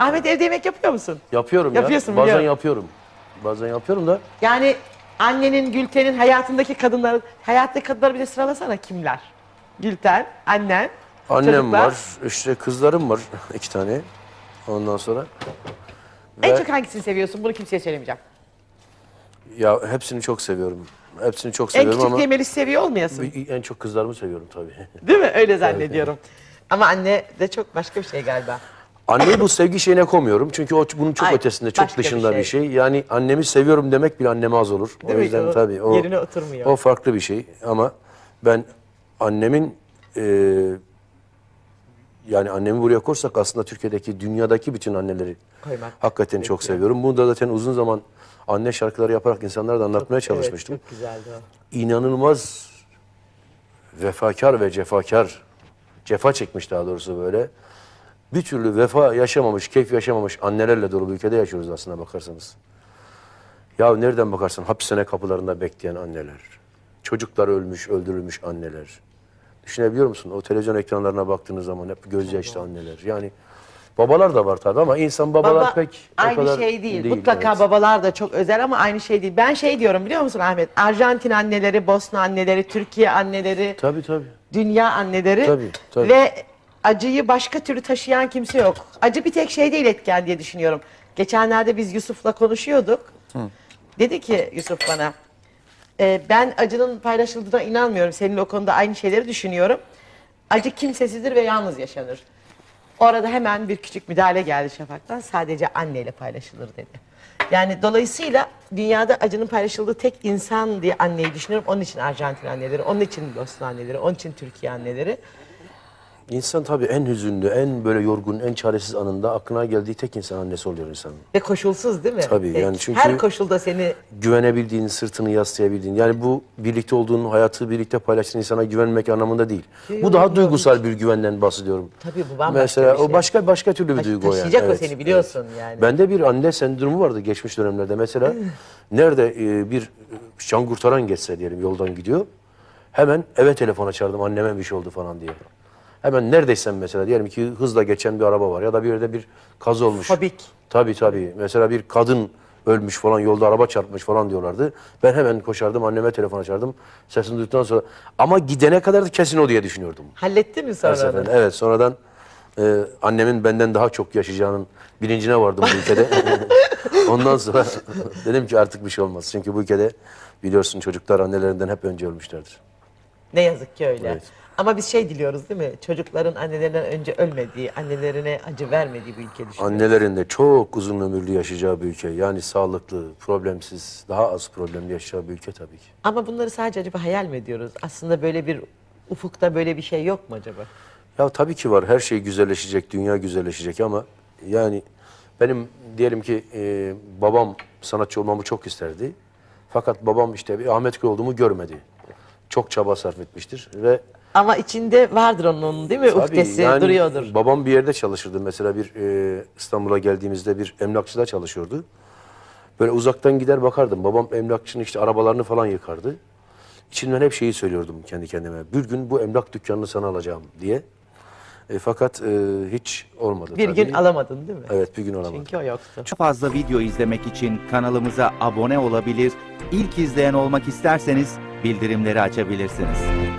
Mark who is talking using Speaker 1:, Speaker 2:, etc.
Speaker 1: Ahmet evde yemek yapıyor musun?
Speaker 2: Yapıyorum
Speaker 1: Yapıyorsun,
Speaker 2: ya. Bazen
Speaker 1: biliyorum.
Speaker 2: yapıyorum. Bazen yapıyorum da.
Speaker 1: Yani annenin, Gülten'in hayattaki kadınları bir de sıralasana kimler? Gülten, annen,
Speaker 2: Annem
Speaker 1: çocuklar.
Speaker 2: var, işte kızlarım var 2 tane. Ondan sonra.
Speaker 1: En
Speaker 2: Ve
Speaker 1: çok hangisini seviyorsun? Bunu kimseye söylemeyeceğim.
Speaker 2: ya hepsini çok seviyorum. Hepsini çok
Speaker 1: En
Speaker 2: seviyorum
Speaker 1: küçük
Speaker 2: ama
Speaker 1: diye Melis seviyor olmayasın.
Speaker 2: en çok kızlarımı seviyorum tabii.
Speaker 1: Değil mi? Öyle zannediyorum. Ama anne de çok başka bir şey galiba.
Speaker 2: Anneyi bu sevgi şeyine koymuyorum. Çünkü o bunun çok
Speaker 1: Ay,
Speaker 2: ötesinde, çok
Speaker 1: başka bir
Speaker 2: dışında bir
Speaker 1: şey.
Speaker 2: şey. Yani annemi seviyorum demek bile anneme az olur.
Speaker 1: Değil
Speaker 2: o
Speaker 1: mi?
Speaker 2: yüzden
Speaker 1: O
Speaker 2: tabii o
Speaker 1: yerine oturmuyor.
Speaker 2: o farklı bir şey ama ben annemin yani annemi buraya korsak aslında Türkiye'deki, dünyadaki bütün anneleri
Speaker 1: Koymak
Speaker 2: hakikaten çok
Speaker 1: gerekiyor.
Speaker 2: seviyorum. Bunu da zaten uzun zaman anne şarkıları yaparak insanlara da anlatmaya çalışmıştım.
Speaker 1: Evet, çok güzeldi o.
Speaker 2: İnanılmaz vefakar ve cefakar, cefa çekmiş daha doğrusu böyle. Bir türlü vefa yaşamamış, keyif yaşamamış annelerle dolu bir ülkede yaşıyoruz aslına bakarsanız. Ya nereden bakarsan hapishane kapılarında bekleyen anneler, çocuklar ölmüş, öldürülmüş anneler. Düşünebiliyor musun? O televizyon ekranlarına baktığınız zaman hep gözyaşlı anneler. Yani babalar da var tabii ama insan babalar
Speaker 1: Baba
Speaker 2: pek o
Speaker 1: aynı
Speaker 2: kadar
Speaker 1: şey değil. Mutlaka
Speaker 2: evet.
Speaker 1: babalar da çok özel ama aynı şey değil. Ben şey diyorum biliyor musun Ahmet? Arjantin anneleri, Bosna anneleri, Türkiye anneleri,
Speaker 2: Tabii tabii.
Speaker 1: dünya anneleri
Speaker 2: Tabii.
Speaker 1: ve acıyı başka türlü taşıyan kimse yok. Acı bir tek şey değil etken diye düşünüyorum. Geçenlerde biz Yusuf'la konuşuyorduk. Dedi ki Yusuf bana, ben acının paylaşıldığına inanmıyorum. Seninle o konuda aynı şeyleri düşünüyorum. Acı kimsesizdir ve yalnız yaşanır. Orada hemen bir küçük müdahale geldi Şafak'tan. Sadece anneyle paylaşılır dedi. Yani dolayısıyla dünyada acının paylaşıldığı tek insan diye anneyi düşünüyorum. Onun için Arjantin anneleri, onun için Bosna anneleri, onun için Türkiye anneleri.
Speaker 2: İnsan tabii en hüzünlü, en böyle yorgun, en çaresiz anında aklına geldiği tek insan annesi oluyor insanın.
Speaker 1: Ve koşulsuz değil mi?
Speaker 2: Tabii, yani çünkü
Speaker 1: her koşulda seni
Speaker 2: güvenebildiğin, sırtını yaslayabildiğin. Yani bu birlikte olduğun, hayatı birlikte paylaştığın insana güvenmek anlamında değil. Bu daha duygusal bir güvenden bahsediyorum.
Speaker 1: Tabii bu bambaşka
Speaker 2: Mesela
Speaker 1: bir şey.
Speaker 2: o başka türlü bir duygu o yani.
Speaker 1: taşıyacak o
Speaker 2: Evet,
Speaker 1: seni biliyorsun yani.
Speaker 2: Bende bir anne sendromu vardı geçmiş dönemlerde. Mesela nerede bir can kurtaran geçse diyelim yoldan gidiyor. Hemen eve telefon açardım anneme bir şey oldu falan diye. Hemen neredeysen mesela diyelim ki hızla geçen bir araba var ya da bir yerde bir kaza olmuş.
Speaker 1: Fobik.
Speaker 2: Tabii. Mesela bir kadın ölmüş falan, yolda araba çarpmış falan diyorlardı. Ben hemen koşardım, anneme telefon açardım. Sesini duyduktan sonra ama gidene kadar da kesin o diye düşünüyordum.
Speaker 1: Halletti mi
Speaker 2: Her
Speaker 1: sonra?
Speaker 2: seferinde. Evet, sonradan annemin benden daha çok yaşayacağının bilincine vardım bu ülkede. Ondan sonra dedim ki artık bir şey olmaz. Çünkü bu ülkede biliyorsun çocuklar annelerinden hep önce ölmüşlerdir.
Speaker 1: Ne yazık ki öyle.
Speaker 2: Evet.
Speaker 1: Ama biz şey diliyoruz değil mi? Çocukların annelerinden önce ölmediği, annelerine acı vermediği bir ülke düşünüyoruz.
Speaker 2: Annelerin de çok uzun ömürlü yaşayacağı bir ülke. Yani sağlıklı, problemsiz, daha az problemli yaşayacağı bir ülke tabii ki.
Speaker 1: Ama bunları sadece acaba hayal mi ediyoruz? Aslında böyle bir ufukta böyle bir şey yok mu acaba?
Speaker 2: Ya tabii ki var. Her şey güzelleşecek, dünya güzelleşecek ama yani benim diyelim ki babam sanatçı olmamı çok isterdi. Fakat babam işte bir Ahmet Köy olduğumu görmedi. Çok çaba sarf etmiştir ve
Speaker 1: Ama içinde vardır onun değil mi?
Speaker 2: tabii
Speaker 1: Uhdesi
Speaker 2: yani
Speaker 1: duruyordur.
Speaker 2: babam bir yerde çalışırdı. Mesela bir İstanbul'a geldiğimizde bir emlakçıda çalışıyordu. Böyle uzaktan gider bakardım. Babam emlakçının işte arabalarını falan yıkardı. İçimden hep şeyi söylüyordum kendi kendime. Bir gün bu emlak dükkanını sana alacağım diye. Fakat hiç olmadı
Speaker 1: Bir
Speaker 2: tabii.
Speaker 1: gün alamadın değil mi?
Speaker 2: Evet, bir gün alamadım.
Speaker 1: Çünkü o yoktu.
Speaker 3: Çok fazla video izlemek için kanalımıza abone olabilir, ilk izleyen olmak isterseniz bildirimleri açabilirsiniz.